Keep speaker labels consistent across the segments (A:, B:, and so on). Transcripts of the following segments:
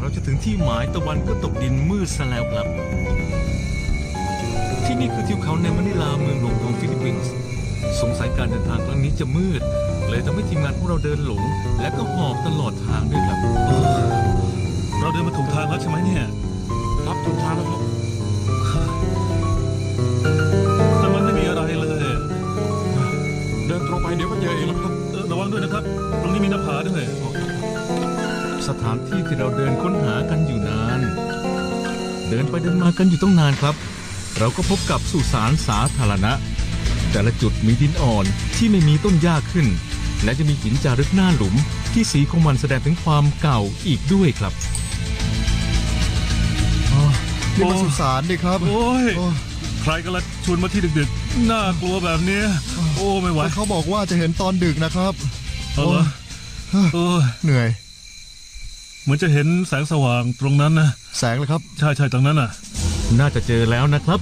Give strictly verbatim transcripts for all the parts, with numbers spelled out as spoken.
A: เราจะถึงที่หมายตะวันก็ตกดินมืดซะแล้วครับที่นี่คือทิวเขาในมะนิลาเมืองหลวงของฟิลิปปินส์สงสัยการเดินทางครั้งนี้จะมืดเลยทำให้ทีมงานพวกเราเดินหลงและก็หอบตลอดทางด้วยครับ
B: เราเดินมาถูกทางแล้วใช่ไหมเนี่ย
C: รับถูกทางแล้วครับ
B: แต่มันไม่มีอะไรเลย
C: เดินตรงไปเดี๋ยวก็เจอเองแล้วครับ
B: ระวังด้วยนะครับตรงนี้มีหน้าผาด้วย
A: สถานที่ที่เราเดินค้นหากันอยู่นานเดินไปเดินมากันอยู่ต้องนานครับเราก็พบกับสุสานสาธารณะแต่ละจุดมีดินอ่อนที่ไม่มีต้นหญ้าขึ้นและจะมีหินจารึกหน้าหลุมที่สีของมันแสดงถึงความเก่าอีกด้วยครับ
D: นี่มาสุสานดิครับ
B: โอ้ยใครกันละชวนมาที่ดึกๆน่ากลัวแบบนี้โอ้ไม่ไหว
D: เขาบอกว่าจะเห็นตอนดึกนะครับ
B: เออเออ
D: เหนื่อย
B: เหมือนจะเห็นแสงสว่างตรงนั้นนะ
D: แสงเลยครับ
B: ใช่ใช่ตรงนั้นน่ะ
A: น่าจะเจอแล้วนะครับ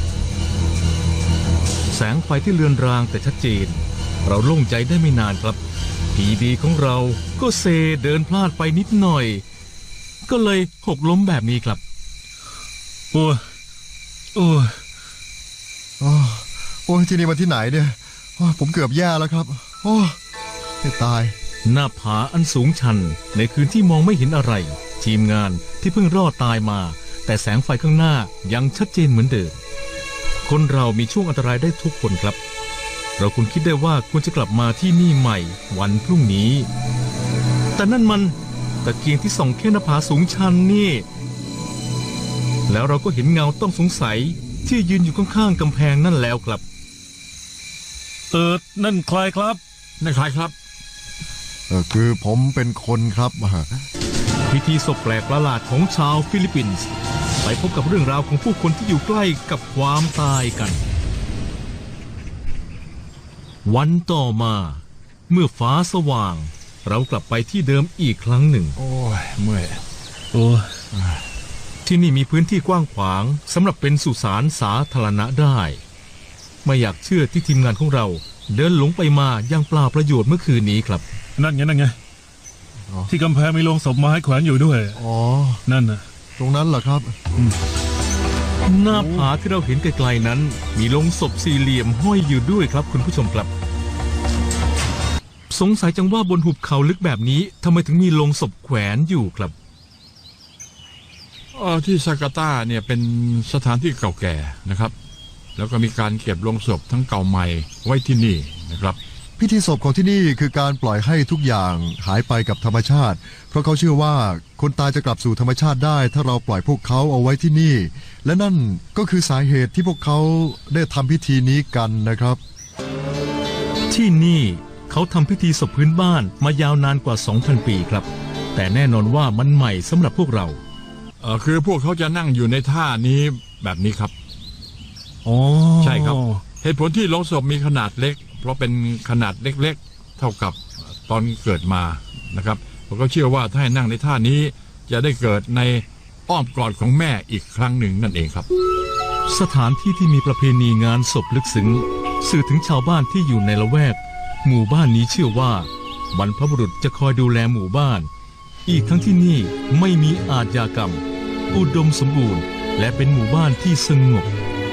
A: แสงไฟที่เลือนรางแต่ชัดเจนเราโล่งใจได้ไม่นานครับพีดีของเราก็เซเดินพลาดไปนิดหน่อยก็เลยหกล้มแบบนี้ครับ
B: โอ้โอ้
D: โอ้ยที่นี่มาที่ไหนเนี่ยผมเกือบแย่แล้วครับโอ้จะตาย
A: หน้าผาอันสูงชันในคืนที่มองไม่เห็นอะไรทีมงานที่เพิ่งรอดตายมาแต่แสงไฟข้างหน้ายังชัดเจนเหมือนเดิมคนเรามีช่วงอันตรายได้ทุกคนครับเราควรคิดได้ว่าควรจะกลับมาที่นี่ใหม่วันพรุ่งนี้แต่นั่นมันตะเกียงที่ส่องแค่หน้าผาสูงชันนี่แล้วเราก็เห็นเงาต้องสงสัยที่ยืนอยู่ข้างๆกำแพงนั่นแล้วครับ
B: เออนั่นใครครับ
C: นั่นใครครับ
D: เออคือผมเป็นคนครับ
A: พิธีศพแปลกประหลาดของชาวฟิลิปปินส์ไปพบกับเรื่องราวของผู้คนที่อยู่ใกล้กับความตายกันวันต่อมาเมื่อฟ้าสว่างเรากลับไปที่เดิมอีกครั้งหนึ่ง
C: โอ้ยเมื่อย
B: โอ้
A: ที่นี่มีพื้นที่กว้างขวางสำหรับเป็นสุสานสาธารณะได้ไม่อยากเชื่อที่ทีมงานของเราเดินหลงไปมายังเปล่าประโยชน์เมื่อคืนนี้ครับ
B: นั่นไงนั่นไงที่กำแพงมีโลงศพไม้แขวนอยู่ด้วย
D: อ๋อ
B: นั่นน่ะ
D: ตรงนั้นเหรอครับ
A: หน้าผาที่เราเห็นไกลๆนั้นมีโลงศพสี่เหลี่ยมห้อยอยู่ด้วยครับคุณผู้ชมครับสงสัยจังว่าบนหุบเขาลึกแบบนี้ทำไมถึงมีโลงศพแขวนอยู่ครับ
C: เออที่จาการ์ตาเนี่ยเป็นสถานที่เก่าแก่นะครับแล้วก็มีการเก็บโลงศพทั้งเก่าใหม่ไว้ที่นี่นะครับ
D: พิธีศพของที่นี่คือการปล่อยให้ทุกอย่างหายไปกับธรรมชาติเพราะเขาเชื่อว่าคนตายจะกลับสู่ธรรมชาติได้ถ้าเราปล่อยพวกเขาเอาไว้ที่นี่และนั่นก็คือสาเหตุที่พวกเขาได้ทำพิธีนี้กันนะครับ
A: ที่นี่เขาทำพิธีศพพื้นบ้านมายาวนานกว่า สองพัน ปีครับแต่แน่นอนว่ามันใหม่สำหรับพวกเรา
C: เออคือพวกเขาจะนั่งอยู่ในท่านี้แบบนี้ครับ
B: อ๋อ
C: ใช่ครับเหตุผลที่โลงศพมีขนาดเล็กเพราะเป็นขนาดเล็กๆเท่ากับตอนเกิดมานะครับผมก็เชื่อว่าถ้าให้นั่งในท่านี้จะได้เกิดในอ้อมกอดของแม่อีกครั้งหนึ่งนั่นเองครับ
A: สถานที่ที่มีประเพณีงานศพลึกซึ้งสื่อถึงชาวบ้านที่อยู่ในละแวกหมู่บ้านนี้เชื่อว่าบรรพบุรุษจะคอยดูแลหมู่บ้านอีกทั้งที่นี่ไม่มีอาชญากรรมอุดมสมบูรณ์และเป็นหมู่บ้านที่สงบ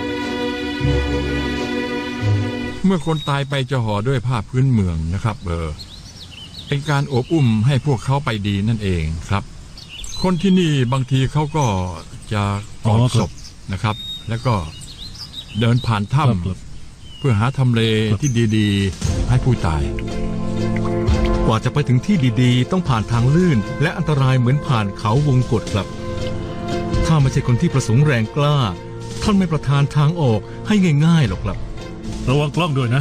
C: เมื่อคนตายไปจะห่อด้วยผ้าพื้นเมืองนะครับเออเป็นการโอบอุ้มให้พวกเขาไปดีนั่นเองครับคนที่นี่บางทีเขาก็จะกอดศพนะครับแล้วก็เดินผ่านถ้ำเพื่อหาทำเลที่ดีๆให้ผู้ตาย
A: กว่าจะไปถึงที่ดีๆต้องผ่านทางลื่นและอันตรายเหมือนผ่านเขาวงกฏครับถ้าไม่ใช่คนที่ประสงค์แรงกล้าท่านไม่ประทานทางออกให้ง่ายๆหรอกครับ
B: ระวังกล้องด้วยนะ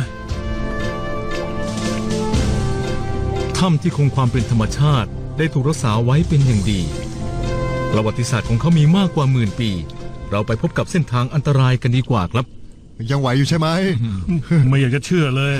A: ถ้ำที่คงความเป็นธรรมชาติได้ถูกรักษาไว้เป็นอย่างดีประวัติศาสตร์ของเขามีมากกว่าหมื่นปีเราไปพบกับเส้นทางอันตรายกันดีกว่าครับ
D: ยังไหวอยู่ใช่ไหม
B: ไม่อยากจะเชื่อเลย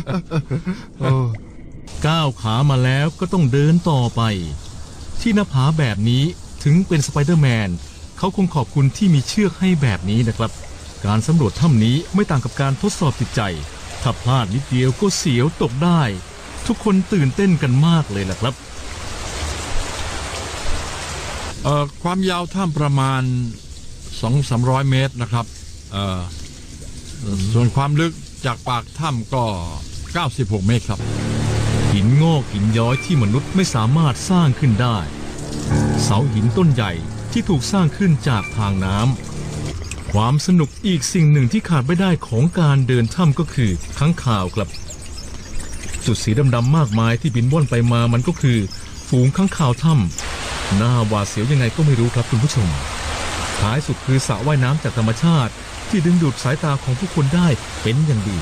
A: ก้าวขามาแล้วก็ต้องเดินต่อไปที่หน้าผาแบบนี้ถึงเป็นสไปเดอร์แมนเขาคงขอบคุณที่มีเชือกให้แบบนี้นะครับการสำรวจถ้ำนี้ไม่ต่างกับการทดสอบจิตใจถ้าพลาดนิดเดียวก็เสียวตกได้ทุกคนตื่นเต้นกันมากเลยล่ะครับ
C: เอ่อความยาวถ้ำประมาณสองสามร้อยเมตรนะครับเอ่อส่วนความลึกจากปากถ้ำก็เก้าสิบหกเมตรครับ
A: หินงอกหินย้อยที่มนุษย์ไม่สามารถสร้างขึ้นได้ เสาหินต้นใหญ่ที่ถูกสร้างขึ้นจากทางน้ำความสนุกอีกสิ่งหนึ่งที่ขาดไม่ได้ของการเดินถ้ำก็คือค้างคาวครับจุดสีดำๆมากมายที่บินว่อนไปมามันก็คือฝูงค้างคาวถ้ำหน้าหวาดเสียวยังไงก็ไม่รู้ครับคุณผู้ชมท้ายสุดคือสระว่ายน้ำจากธรรมชาติที่ดึงดูดสายตาของผู้คนได้เป็นอย่างดี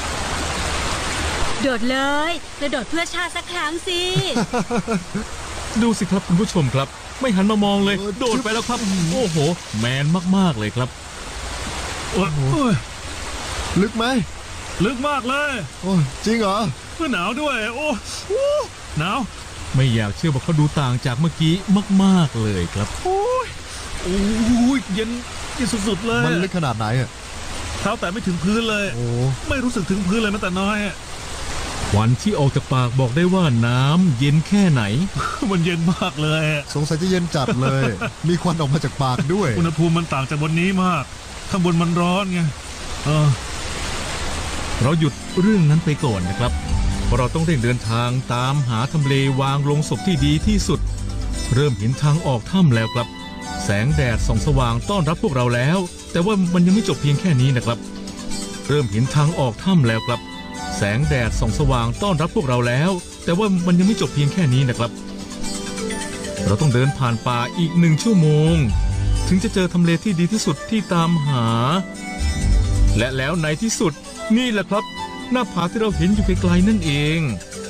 E: โดดเลยกระโดดเพื่อชาติสักครั้งสิ
A: ดูสิครับคุณผู้ชมครับไม่หันมามองเลยโดดไปแล้วครับโอ้โหแมนมากๆเลยครับ
B: โอ้ยโอ้ย
D: ลึกไหม
B: ลึกมากเลย
D: โอ้ยจริงเหรอ
B: เพื่อหนาวด้วยโอ้โอ้หนาว
A: ไม่อยากเชื่อว่าเขาดูต่างจากเมื่อกี้มากๆเลยครับ
B: โอ้ยโอ้ยเย็นเย็นสุดๆเลย
D: มันลึกขนาดไหนอ่ะ
B: เท้าแต่ไม่ถึงพื้นเลย
D: โอ้
B: ไม่รู้สึกถึงพื้นเลยแม้แต่น้อยอะ
A: ควันที่ออกจากปากบอกได้ว่าน้ำเย็นแค่ไหน
B: มันเย็นมากเลยอะ
D: สงสัยจะเย็นจัดเลย มีควันออกมาจากปากด้วย
B: อุณหภูมิมันต่างจากบนนี้มากข้างบนมันร้อนไงเออ
A: เราหยุดเรื่องนั้นไปก่อนนะครับเพราะเราต้องเร่งเดินทางตามหาทำเลวางลงศพที่ดีที่สุด เริ่มเห็นทางออกถ้ำแล้วครับแสงแดดส่องสว่างต้อนรับพวกเราแล้ว แต่ว่ามันยังไม่จบเพียงแค่นี้นะครับเริ่มเห็นทางออกถ้ำแล้วครับแสงแดดส่องสว่างต้อนรับพวกเราแล้ว แต่ว่ามันยังไม่จบเพียงแค่นี้นะครับเราต้องเดินผ่านป่าอีกหนึ่งชั่วโมงถึงจะเจอทำเลที่ดีที่สุดที่ตามหาและแล้วในที่สุดนี่แหละครับหน้าผาที่เราเห็นอยู่ไกลๆนั่นเอง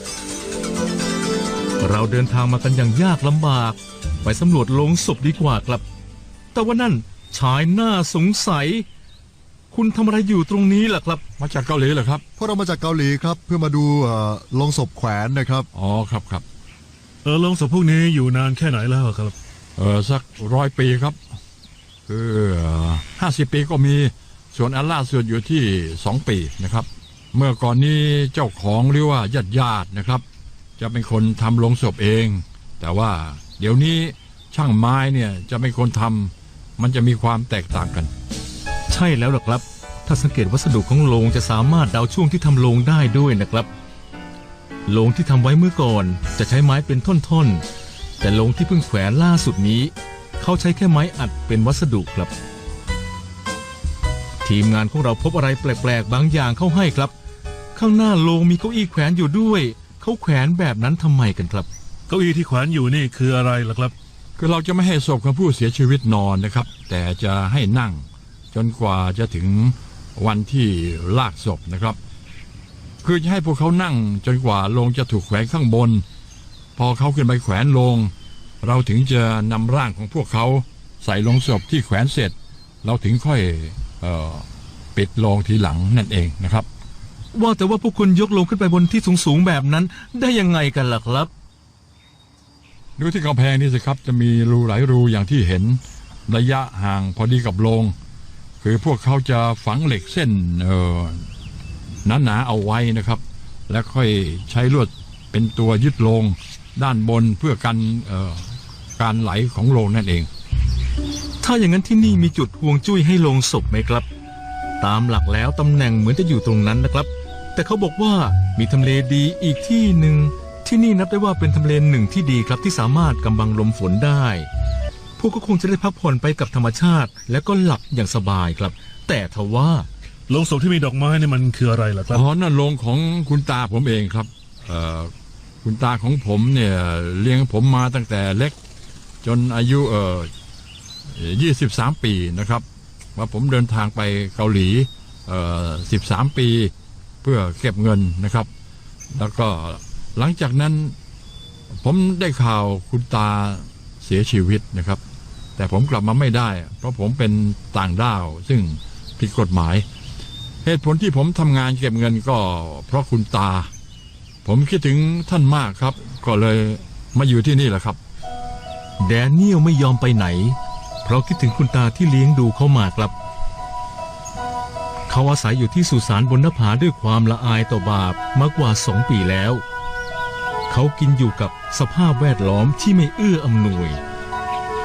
A: เราเดินทางมากันอย่างยากลำบากไปสำรวจโลงศพดีกว่าครับแต่ว่านั่นชายหน้าสงสัยคุณทำอะไรอยู่ตรงนี้ล่ะครับ
C: มาจากเกาหลีเหรอครับ
D: พวกเรามาจากเกาหลีครับ เพื่อมาดูเอ่อโลงศพแขวนนะครับ
C: อ๋อครับครับ
B: เออโรงศพพวกนี้อยู่นานแค่ไหนแล้วครับ
C: เออสักร้อยปีครับคือห้าสิบปีก็มีส่วนอันล่าสุดอยู่ที่สองปีนะครับเมื่อก่อนนี้เจ้าของหรือว่าญาติญาตินะครับจะเป็นคนทำโลงศพเอง แต่ว่าเดี๋ยวนี้ช่างไม้เนี่ยจะเป็นคนทำมันจะมีความแตกต่างกัน
A: ใช่แล้วล่ะครับถ้าสังเกตวัสดุของโลงจะสามารถเดาช่วงที่ทำโลงได้ด้วยนะครับโลงที่ทำไว้เมื่อก่อนจะใช้ไม้เป็นท่อนๆแต่โลงที่เพิ่งแขวนล่าสุดนี้เขาใช้แค่ไม้อัดเป็นวัสดุครับทีมงานของเราพบอะไรแปลกๆบางอย่างเข้าให้ครับข้างหน้าโลงมีเก้าอี้แขวนอยู่ด้วยเขาแขวนแบบนั้นทำไมกันครับ
B: เก้าอี้ที่แขวนอยู่นี่คืออะไรล่ะครับ
C: คือเราจะไม่ให้ศพของผู้เสียชีวิตนอนนะครับแต่จะให้นั่งจนกว่าจะถึงวันที่ลากศพนะครับคือจะให้พวกเขานั่งจนกว่าโลงจะถูกแขวนข้างบนพอเขาขึ้นไปแขวนโลงเราถึงจะนำร่างของพวกเขาใส่ลงศพที่แขวนเสร็จเราถึงค่อยเอ่อปิดโลงทีหลังนั่นเองนะครับ
A: ว่าแต่ว่าพวกคุณยกโลงขึ้นไปบนที่สูงๆแบบนั้นได้ยังไงกันล่ะครับ
C: ดูที่กำแพงนี่สิครับจะมีรูหลายรูอย่างที่เห็นระยะห่างพอดีกับโลงคือพวกเขาจะฝังเหล็กเส้นเอ่อหนาๆเอาไว้นะครับแล้วค่อยใช้ลวดเป็นตัวยึดโลงด้านบนเพื่อกันเอ่อการไหลของโลงนั่นเอง
A: ถ้าอย่างนั้นที่นี่มีจุดห่วงจุ้ยให้โลงศพไหมครับตามหลักแล้วตำแหน่งเหมือนจะอยู่ตรงนั้นนะครับแต่เขาบอกว่ามีทำเลดีอีกที่หนึ่งที่นี่นับได้ว่าเป็นทำเลหนึ่งที่ดีครับที่สามารถกำบังลมฝนได้พวกก็คงจะได้พักผ่อนไปกับธรรมชาติและก็หลับอย่างสบายครับแต่ทว่า
B: โลงศพที่มีดอกไม้นี่มันคืออะไรล่ะครับ
C: อ๋อนั่นโลงของคุณตาผมเองครับเอ่อคุณตาของผมเนี่ยเลี้ยงผมมาตั้งแต่เล็กจนอายุเอ่อยี่สิบสามปีนะครับว่าผมเดินทางไปเกาหลีเอ่อสิบสามปีเพื่อเก็บเงินนะครับแล้วก็หลังจากนั้นผมได้ข่าวคุณตาเสียชีวิตนะครับแต่ผมกลับมาไม่ได้เพราะผมเป็นต่างด้าวซึ่งผิดกฎหมายเหตุผลที่ผมทำงานเก็บเงินก็เพราะคุณตาผมคิดถึงท่านมากครับก็เลยมาอยู่ที่นี่แหละครับ
A: แดเนียลไม่ยอมไปไหนเพราะคิดถึงคุณตาที่เลี้ยงดูเขามาครับเขาอาศัยอยู่ที่สุสานบนหน้าผาด้วยความละอายต่อบาปมากกว่าสองปีแล้วเขากินอยู่กับสภาพแวดล้อมที่ไม่เอื้ออำนวย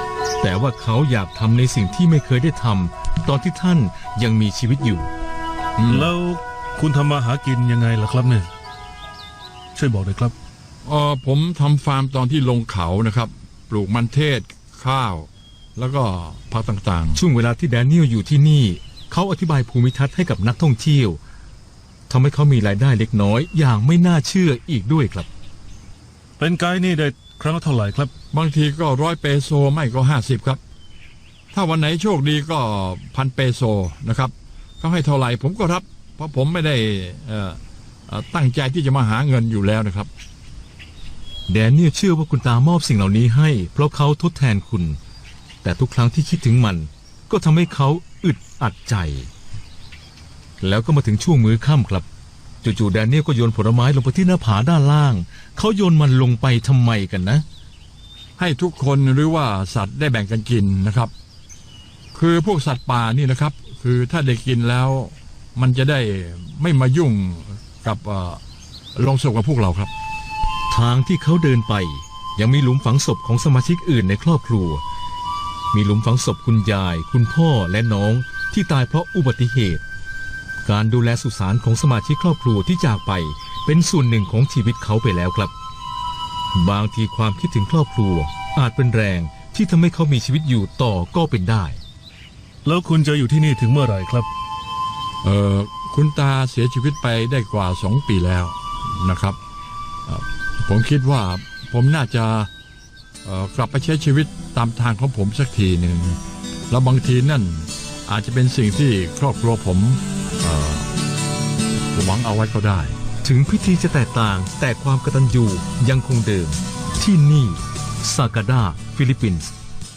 A: แต่ว่าเขาอยากทำในสิ่งที่ไม่เคยได้ทำตอนที่ท่านยังมีชีวิตอยู่
B: แล้วคุณทำมาหากินยังไงล่ะครับเนี่ยช่วยบอกหน่อยครับ
C: เออผมทำฟาร์มตอนที่ลงเขานะครับ ปลูกมันเทศข้าว แล้วก็ผักต่างๆ
A: ช่วงเวลาที่แดเนียลอยู่ที่นี่ เขาอธิบายภูมิทัศน์ให้กับนักท่องเที่ยวทำให้เขามีรายได้เล็กน้อยอย่างไม่น่าเชื่ออีกด้วยครับ
B: เป็นไกด์นี่ได้ครั้งละเท่าไหร่ครับ
C: บางทีก็ร้อยเปโซไม่ก็ห้าสิบครับ ถ้าวันไหนโชคดีก็พันเปโซนะครับเขาให้เท่าไหร่ผมก็รับ เพราะผมไม่ได้เอ่อเอ่อตั้งใจที่จะมาหาเงินอยู่แล้วนะครับ
A: แดเนียลเชื่อว่าคุณตามอบสิ่งเหล่านี้ให้เพราะเขาทดแทนคุณ แต่ทุกครั้งที่คิดถึงมันก็ทำให้เขาอึดอัดใจ แล้วก็มาถึงช่วงมื้อค่ำครับจู่ๆแดเนียลก็โยนผลไม้ลงไปที่หน้าผาด้านล่างเขาโยนมันลงไปทำไมกันนะ
C: ให้ทุกคนหรือว่าสัตว์ได้แบ่งกันกินนะครับ คือพวกสัตว์ป่านี่นะครับ คือถ้าได้กินแล้วมันจะได้ไม่มายุ่งกับเอ่อโลงศพกับพวกเราครับ
A: ทางที่เขาเดินไปยังมีหลุมฝังศพของสมาชิกอื่นในครอบครัว มีหลุมฝังศพคุณยาย คุณพ่อและน้องที่ตายเพราะอุบัติเหตุ การดูแลสุสานของสมาชิกครอบครัวที่จากไปเป็นส่วนหนึ่งของชีวิตเขาไปแล้วครับ บางทีความคิดถึงครอบครัวอาจเป็นแรงที่ทำให้เขามีชีวิตอยู่ต่อก็เป็นได้
B: แล้วคุณจะอยู่ที่นี่ถึงเมื่อไหร่ครับ
C: เอ่อคุณตาเสียชีวิตไปได้กว่าสองปีแล้วนะครับเอ่อผมคิดว่าผมน่าจะเอ่อกลับไปใช้ชีวิตตามทางของผมสักทีหนึ่งแล้วบางทีนั่นอาจจะเป็นสิ่งที่ครอบครัวผมเอ่อหวังเอาไว้ก็ได้
A: ถึงพิธีจะแตกต่างแต่ความกตัญญูยังคงเดิมที่นี่ซากาดาฟิลิปปินส์